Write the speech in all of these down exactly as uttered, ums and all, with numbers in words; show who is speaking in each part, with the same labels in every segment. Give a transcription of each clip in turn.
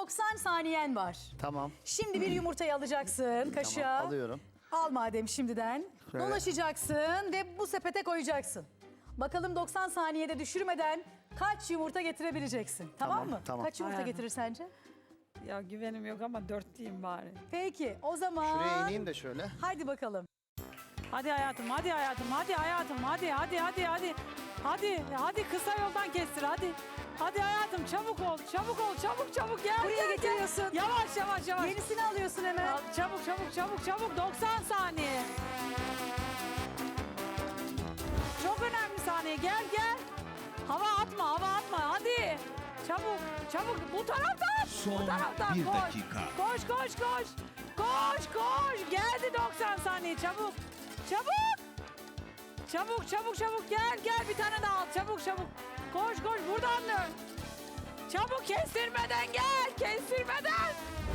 Speaker 1: doksan saniyen var.
Speaker 2: Tamam.
Speaker 1: Şimdi bir yumurtayı alacaksın kaşığa.
Speaker 2: Tamam, alıyorum.
Speaker 1: Al madem şimdiden.
Speaker 2: Şöyle.
Speaker 1: Dolaşacaksın ve bu sepete koyacaksın. Bakalım doksan saniyede düşürmeden kaç yumurta getirebileceksin. Tamam,
Speaker 2: Tamam,
Speaker 1: mı?
Speaker 2: tamam.
Speaker 1: Kaç yumurta
Speaker 3: Aynen.
Speaker 1: getirir sence?
Speaker 3: Ya güvenim yok ama dört diyeyim bari.
Speaker 1: Peki o zaman...
Speaker 2: Şuraya ineyim de şöyle.
Speaker 1: Hadi bakalım.
Speaker 3: Hadi hayatım, hadi hayatım, hadi hayatım, hadi, hadi, hadi, hadi. Hadi, hadi kısa yoldan kestir, hadi. Hadi hayatım, çabuk ol, çabuk ol, çabuk, çabuk gel.
Speaker 1: Buraya
Speaker 3: gel,
Speaker 1: getiriyorsun.
Speaker 3: Gel. Yavaş, yavaş, yavaş.
Speaker 1: Yenisini alıyorsun hemen.
Speaker 3: Al, çabuk, çabuk, çabuk, çabuk. doksan saniye. Çok önemli saniye. Gel, gel. Hava atma, hava atma. Hadi. Çabuk, çabuk. Bu taraftan.
Speaker 4: Son
Speaker 3: bu taraftan.
Speaker 4: bir
Speaker 3: koş.
Speaker 4: dakika.
Speaker 3: Koş, koş, koş. Koş, koş. Geldi doksan saniye. Çabuk. Çabuk. Çabuk, çabuk, çabuk. Gel, gel. Bir tane daha al. Çabuk, çabuk. Koş, koş. Buradan dön. Çabuk kestirmeden gel. Kestirmeden.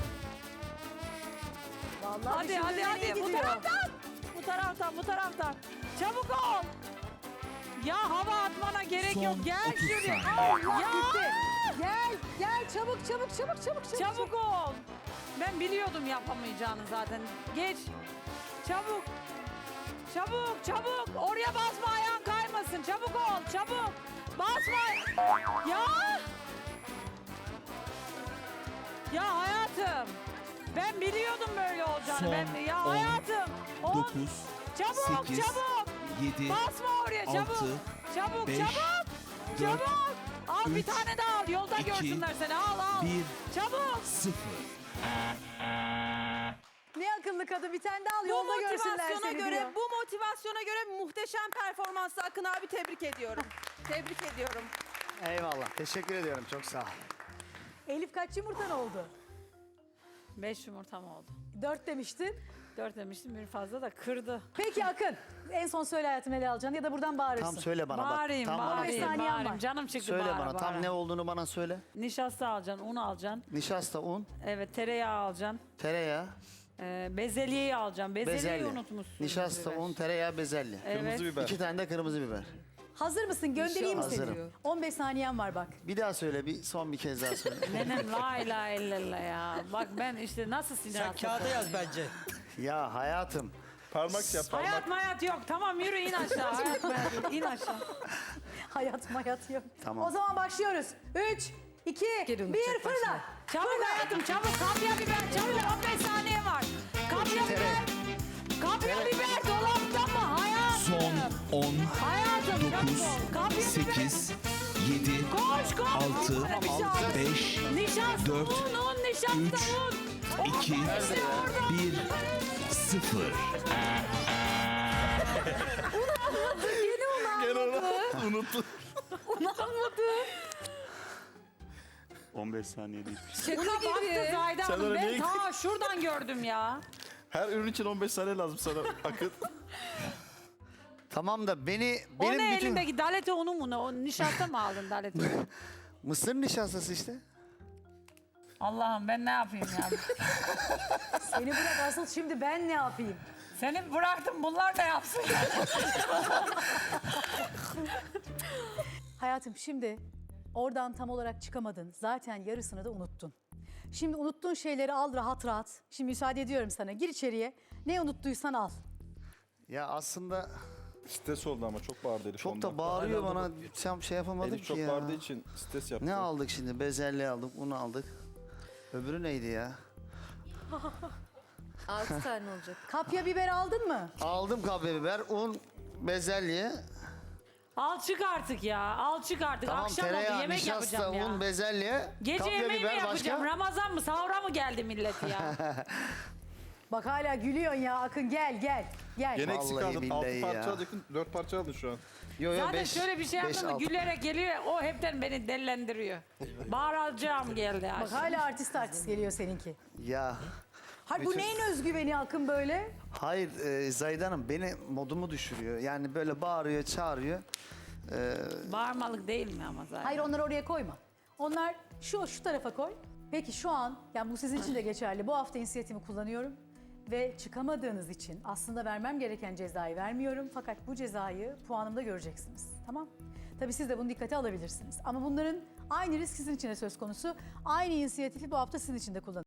Speaker 1: Vallahi
Speaker 3: Hadi,
Speaker 1: düşündüğün
Speaker 3: hadi,
Speaker 1: en iyi
Speaker 3: hadi. Bu
Speaker 1: gidiyor.
Speaker 3: taraftan. Bu taraftan, bu taraftan. Çabuk ol. Ya hava atmana gerek
Speaker 4: Son
Speaker 3: yok. Gel
Speaker 4: otuz
Speaker 3: şuraya.
Speaker 4: saniye.
Speaker 1: Allah
Speaker 3: Ya.
Speaker 1: gitti. Gel, gel çabuk çabuk çabuk çabuk çabuk.
Speaker 3: Çabuk ol. Ben biliyordum yapamayacağını zaten. Geç. Çabuk. Çabuk, çabuk. Oraya basma, ayağın kaymasın. Çabuk ol, çabuk. Basma. Ya. Ya hayatım. Ben biliyordum böyle olacağını.
Speaker 4: Son
Speaker 3: ben ya
Speaker 4: on,
Speaker 3: hayatım. On.
Speaker 4: dokuz,
Speaker 3: Çabuk,
Speaker 4: sekiz,
Speaker 3: çabuk.
Speaker 4: yedi,
Speaker 3: Basma oraya, çabuk.
Speaker 4: altı,
Speaker 3: Çabuk,
Speaker 4: beş,
Speaker 3: çabuk.
Speaker 4: dört,
Speaker 3: Çabuk. Al bir
Speaker 4: üç,
Speaker 3: tane daha al. Yolda
Speaker 4: iki,
Speaker 3: görsünler seni. Al, al.
Speaker 4: bir,
Speaker 3: Çabuk.
Speaker 4: sıfır.
Speaker 1: Ne akıllı kadın bir tane daha al
Speaker 5: Bu
Speaker 1: yolda görsünler
Speaker 5: motivasyona
Speaker 1: seni
Speaker 5: göre,
Speaker 1: diyor.
Speaker 5: bu motivasyona göre muhteşem performansla Akın abi tebrik ediyorum. Tebrik ediyorum.
Speaker 2: Eyvallah. Teşekkür ediyorum. Çok sağ ol.
Speaker 1: Elif kaç yumurtan oldu?
Speaker 3: Beş yumurtam oldu.
Speaker 1: Dört demiştin.
Speaker 3: Dört demiştim, bir fazla da kırdı.
Speaker 1: Peki Akın en son söyle hayatım ne alacaksın ya da buradan bağırırsın.
Speaker 2: Tam söyle bana
Speaker 3: Bağırayım,
Speaker 2: bak. Tam bana
Speaker 3: bağırayım,
Speaker 1: beş saniyen
Speaker 3: bağırayım.
Speaker 1: var.
Speaker 3: Canım çıktı
Speaker 2: söyle
Speaker 3: bağıra,
Speaker 2: bana.
Speaker 3: bağıra.
Speaker 2: Tam ne olduğunu bana söyle.
Speaker 3: Nişasta alacaksın, un alacaksın.
Speaker 2: Nişasta, un,
Speaker 3: Evet, tereyağı alacaksın.
Speaker 2: tereyağı,
Speaker 3: Ee, bezelyeyi alacaksın. Bezelyeyi
Speaker 2: bezelye.
Speaker 3: unutmuşsun.
Speaker 2: Nişasta,
Speaker 3: biber.
Speaker 2: un, tereyağı, bezelye.
Speaker 3: Evet.
Speaker 2: İki tane de kırmızı biber.
Speaker 1: Hazır mısın? Göndereyim mi seni?
Speaker 2: Hazırım.
Speaker 1: on beş saniyen var bak.
Speaker 2: Bir daha söyle. Bir son bir kez daha söyle.
Speaker 3: Nenem la ilahe illallah ya. Bak ben işte nasıl sinir
Speaker 6: Sen
Speaker 3: hastası.
Speaker 6: kağıda yaz bence.
Speaker 2: Ya hayatım.
Speaker 7: Parmak yap parmak.
Speaker 3: Hayat mayat yok. Tamam yürü in aşağı. Hayat mayat yok. İn aşağı.
Speaker 1: Hayat mayat yok.
Speaker 2: Tamam.
Speaker 1: O zaman başlıyoruz. Üç, iki, bir fırla.
Speaker 3: Çabuk hayatım çabuk. Kapya biber çabuk. on beş saniye var. Kapya biber. Kapya biber dolapta mı? Hayatım.
Speaker 4: Son on,
Speaker 3: Hayatım çabuk
Speaker 4: dokuz,
Speaker 3: ol. Kapya biber.
Speaker 4: sekiz, yedi,
Speaker 3: Koş koş.
Speaker 4: altı,
Speaker 3: Bir şey al.
Speaker 4: beş,
Speaker 3: Nişasta
Speaker 4: dört,
Speaker 3: un un nişasta
Speaker 4: üç,
Speaker 3: un. Un
Speaker 4: iki,
Speaker 3: işte orada.
Speaker 4: bir, sıfır.
Speaker 7: Gene onu unuttum. on beş saniye değil.
Speaker 3: Şaka baktı Zayda
Speaker 7: Sen
Speaker 3: Hanım.
Speaker 7: oraya
Speaker 3: Ben
Speaker 7: niye
Speaker 3: ta şuradan gördüm ya.
Speaker 7: Her ürün için on beş saniye lazım sana Akın.
Speaker 2: Tamam da beni
Speaker 3: O
Speaker 2: benim
Speaker 3: ne
Speaker 2: bütün
Speaker 3: elindeki dalete unu mu ne? O nişasta mı aldın dalete unu?
Speaker 2: mısır nişastası işte.
Speaker 3: Allah'ım ben ne yapayım ya?
Speaker 1: Seni bırak asıl şimdi ben ne yapayım?
Speaker 3: Seni bıraktım bunlar ne yapsın?
Speaker 1: Hayatım şimdi oradan tam olarak çıkamadın. Zaten yarısını da unuttun. Şimdi unuttuğun şeyleri al rahat rahat. Şimdi müsaade ediyorum sana. Gir içeriye. Ne unuttuysan al.
Speaker 2: Ya aslında
Speaker 7: Stres oldu ama çok bağırdı Elif
Speaker 2: çok
Speaker 7: ondan.
Speaker 2: da bağırıyor bana. Tam şey yapamadım
Speaker 7: Elif
Speaker 2: ki
Speaker 7: çok
Speaker 2: ya.
Speaker 7: bağırdığı için stres yaptı.
Speaker 2: Ne aldık şimdi? Bezelye aldık, un aldık. Öbürü neydi ya?
Speaker 5: Altı tane olacak.
Speaker 1: Kapya biber aldın mı?
Speaker 2: Aldım kapya biber, un, bezelye.
Speaker 3: Al çık artık ya. Al çık artık.
Speaker 2: Tamam,
Speaker 3: Akşam oldu
Speaker 2: tereyağı,
Speaker 3: yemek
Speaker 2: nişasta,
Speaker 3: yapacağım ya.
Speaker 2: un, bezelye.
Speaker 3: Gece
Speaker 2: kapya
Speaker 3: yemeği mi
Speaker 2: biber
Speaker 3: yapacağım?
Speaker 2: başka?
Speaker 3: Ramazan mı? Sahura mı geldi millet ya?
Speaker 1: Bak hala gülüyorsun ya Akın gel gel. Gel.
Speaker 7: Gene eksik
Speaker 2: Vallahi
Speaker 7: aldın. altı
Speaker 2: billahi
Speaker 7: parça
Speaker 2: ya.
Speaker 7: alacaktın. dört parça aldın şu an.
Speaker 2: Yo, yo,
Speaker 3: Zaten
Speaker 2: beş,
Speaker 3: şöyle bir şey
Speaker 2: beş,
Speaker 3: yaptım mı
Speaker 2: altı.
Speaker 3: gülerek geliyor. O hepten beni dellendiriyor. Bağıracağım geldi.
Speaker 1: Bak
Speaker 3: aşağı.
Speaker 1: hala artist artist geliyor seninki.
Speaker 2: Ya
Speaker 1: Hayır bu
Speaker 2: Bütün-
Speaker 1: neyin özgüveni Akın böyle?
Speaker 2: hayır e, Zahide Hanım beni modumu düşürüyor. Yani böyle bağırıyor, çağırıyor.
Speaker 3: Bağırmalık değil mi ama zaten?
Speaker 1: Hayır onları oraya koyma. Onlar şu şu tarafa koy. Peki şu an, yani bu sizin için de geçerli. Bu hafta inisiyatifimi kullanıyorum. Ve çıkamadığınız için aslında vermem gereken cezayı vermiyorum. Fakat bu cezayı puanımda göreceksiniz. Tamam? Tabii siz de bunu dikkate alabilirsiniz. Ama bunların aynı risk sizin için de söz konusu. Aynı inisiyatifi bu hafta sizin için de kullanın.